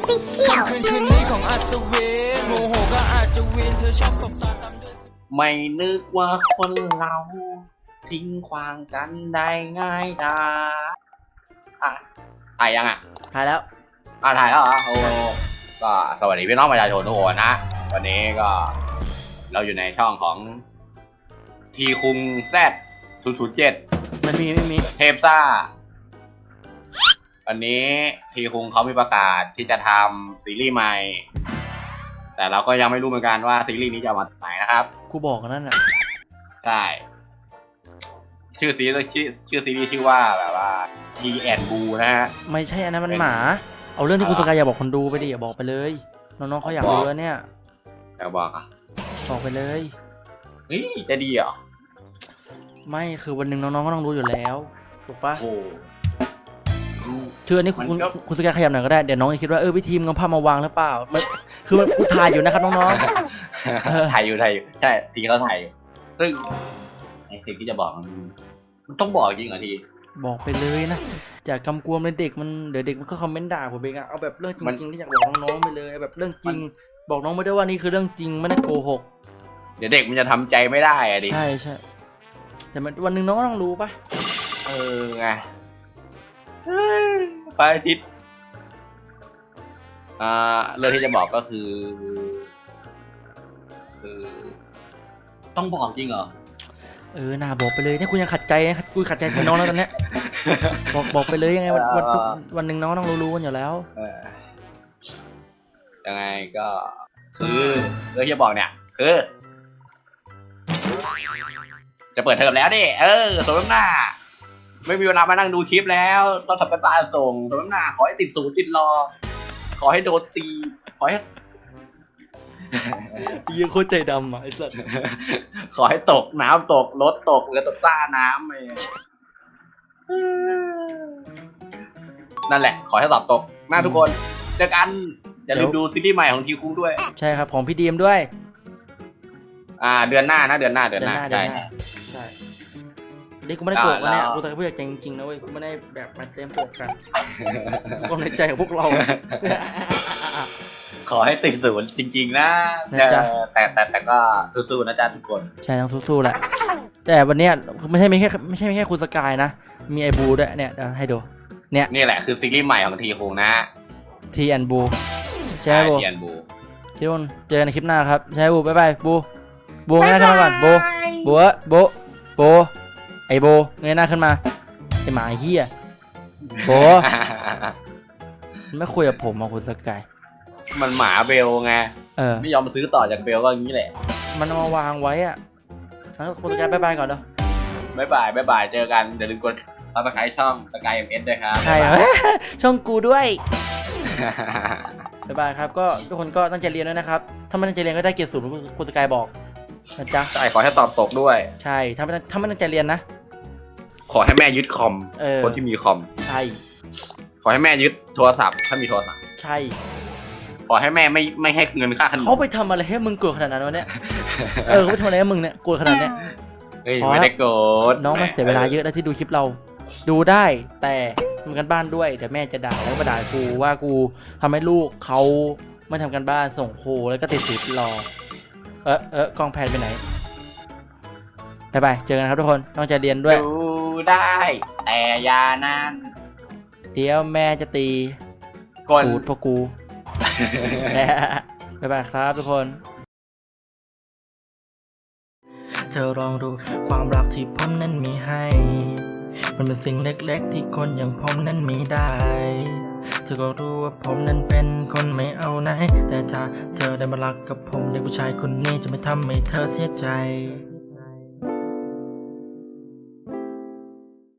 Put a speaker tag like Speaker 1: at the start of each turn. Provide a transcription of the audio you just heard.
Speaker 1: Official
Speaker 2: คืนนี้ของอัศวินโมโหก็อาจจะวินเธอชอบตบตาตามด้วย
Speaker 3: ไม่นึกว่าคนเราทิ้งขวางกันได้ง่ายดายถ่ายยัง
Speaker 4: ถ่ายแล้ว
Speaker 3: ถ่ายแล้วเหรอโอ้ก็สวัสดีพี่น้องประชาชนทุกคนนะวันนี้ก็เราอยู่ในช่องของทีคุงแซด007
Speaker 4: ไม่มี
Speaker 3: เทปซ่าวันนี้ทีคุงเขามีประกาศที่จะทำซีรีส์ใหม่แต่เราก็ยังไม่รู้เหมือนกันว่าซีรีส์นี้จะมาไหนนะครับ
Speaker 4: กูบอกกันนั่นแหละ
Speaker 3: ใช่ชื่อซีรีส์ชื่อว่าแบบว่า D and Boo นะฮะ
Speaker 4: ไม่ใช่อันนั้นมันหมาเอาเรื่องที่คุณสกายอย่าบอกคนดูไปดิอย่าบอกไปเลยน้องๆเขาอยากรู้แล้วเนี่ย
Speaker 3: อยากบอก
Speaker 4: บอกไปเลย
Speaker 3: เฮ้ยจะดีเหรอ
Speaker 4: ไม่คือวันหนึ่งน้องๆก็ต้องรู้อยู่แล้วถูกปะ
Speaker 3: โอ้
Speaker 4: ชื่ออันนี้คุณสกายขยับหน่อยก็ได้เดี๋ยวน้องจะคิดว่าพี่ทีมเอาภาพมาวางหรือเปล่าคือกูถ่ายอยู่นะครับน้อง
Speaker 3: ๆถ่ายอยู่ใช่ทีเขาถ่ายซึ่งไอ้สิ่งที่จะบอกมันต้องบอกจริงเหรอที
Speaker 4: บอกไปเลยนะจากกำกวมเลยเด็กมันเดี๋ยวเด็กมันก็คอมเมนต์ด่าผมเองอะเอาแบบเรื่องจริงๆที่อยากบอกน้องๆไปเลยแบบเรื่องจริงบอกน้องไม่ได้ว่านี่คือเรื่องจริงไม่ได้โกหก
Speaker 3: เดี๋ยวเด็กมันจะทำใจไม่ได้อะดิ
Speaker 4: ใช่แต่วันหนึ่งน้องก็ต้องรู้ปะ
Speaker 3: ไงไปอาทิตย์เรื่องที่จะบอกก็คือต้องบอกจริงเหรอ
Speaker 4: น่าบอกไปเลยเนี่ยคุณยังขัดใจนะคุณขัดใจแทนน้องแล้วตอนนี้บอกไปเลยยังไงวันหนึ่งน้องต้องรู้กันอยู่แล้ว
Speaker 3: ยังไงก็คือเรื่องที่จะบอกเนี่ยคือจะเปิดเทอมแล้วดิสมน้ำหน้าไม่มีเวลามานั่งดูคลิปแล้วต้องทำการบ้านส่งสมน้ำหน้าขอให้ติดศูนย์ติดรอขอให้โดนตีขอให้
Speaker 4: ยังโคตรใจดำอ่ะไอ้สัส
Speaker 3: ขอให้ตกน้ำตกรถตกเรือตกซ่าน้ำเลยนั่นแหละขอให้สอบตกหน้าทุกคนเจอกันอย่าลืมดูซีรีส์ใหม่ของทีคุงด้วย
Speaker 4: ใช่ครับของพี่ดีมด้วย
Speaker 3: เดือนหน้านะเดือนหน้าใช่
Speaker 4: นี่กูไม่ได้โกรธนะเนี่ยกูแต่พูดจริงๆนะเว้ยกูไม่ได้แบบมาเต็มโกรธกันความในใจของพวกเรา
Speaker 3: ขอให้ติดศูนย์จริงๆนะแต่ก็สู้ๆนะจ๊ะทุกคน
Speaker 4: ใช่ต้องสู้ๆแหละแต่วันนี้ไม่ใช่แค่คุณสกายนะมีไอ้บูด้วยเนี่ยให้ดูเนี่ย
Speaker 3: นี่แหละคือซีรีส์ใหม่ของทีคุงนะ
Speaker 4: ทีแอนบูใช่บู
Speaker 3: ทีแอนบู
Speaker 4: ทุกคนเจอกันในคลิปหน้าครับใช่บูบ๊ายบายบูงั้นทำก่อนบูไอโบเงยหน้าขึ้นมาไอหมาเหี้ยโบไม่คุยกับผมคุณสกาย
Speaker 3: มันหมาเบลไงไม่ยอมซื้อต่อจากเบลก็อย่างนี้แหละ
Speaker 4: มันเอามาวางไว้อะแล้วคุณสกายบ๊ายบายก่อนเด้อ
Speaker 3: บ๊ายบายเจอกันอย่าลืมกดซับสไครต์ช่องสกายMSด้วยครับ
Speaker 4: ใช่ช่องกูด้วยบ๊ายบายครับก็ทุกคนก็ตั้งใจเรียนด้วยนะครับถ้าไม่ตั้งใจเรียนก็ได้เกรด0คุณสกายบอกนะจ๊ะ
Speaker 3: ใช่ขอให้ตอบตกด้วย
Speaker 4: ใช่ถ้าไม่ตั้งใจเรียนนะ
Speaker 3: ขอให้แม่ยึดคอมคนที่มีคอม
Speaker 4: ใช่
Speaker 3: ขอให้แม่ยึดโทรศัพท์ถ้ามีโทรศัพท์
Speaker 4: ใช่
Speaker 3: ขอให้แม่ไม่ให้เงินค่าขนม
Speaker 4: เขาไปทำอะไรให้มึงโกรธขนาดนั้นวะเนี่ยเขาไปทำอะไรให้มึงเนี่ยโกรธขนาดเนี้ย
Speaker 3: ไม่ได้โกรธ
Speaker 4: น้องมันเสียเวลาเยอะแล้วที่ดูคลิปเราดูได้แต่ทำกันบ้านด้วยเดี๋ยวแม่จะด่าแล้วก็ด่ากูว่ากูทำให้ลูกเขาไม่ทำกันบ้านส่งครูแล้วก็ติดศูนย์รอกล้องแพนไปไหนไปเจอกันครับทุกคนต้องใจเรียนด้วย
Speaker 3: ดูได้แต่อย่านั่น
Speaker 4: เดี๋ยวแม่จะตีกูพวกกูไปครับทุกคนเธอลองดูความรักที่ผมนั้นมีให้มันเป็นสิ่งเล็กๆที่คนอย่างผมนั้นมีได้เธอก็รู้ว่าผมนั้นเป็นคนไม่เอาไหนแต่ถ้าเธอได้มารักกับผมเด็กผู้ชายคนนี้จะไม่ทำให้เธอเสียใจ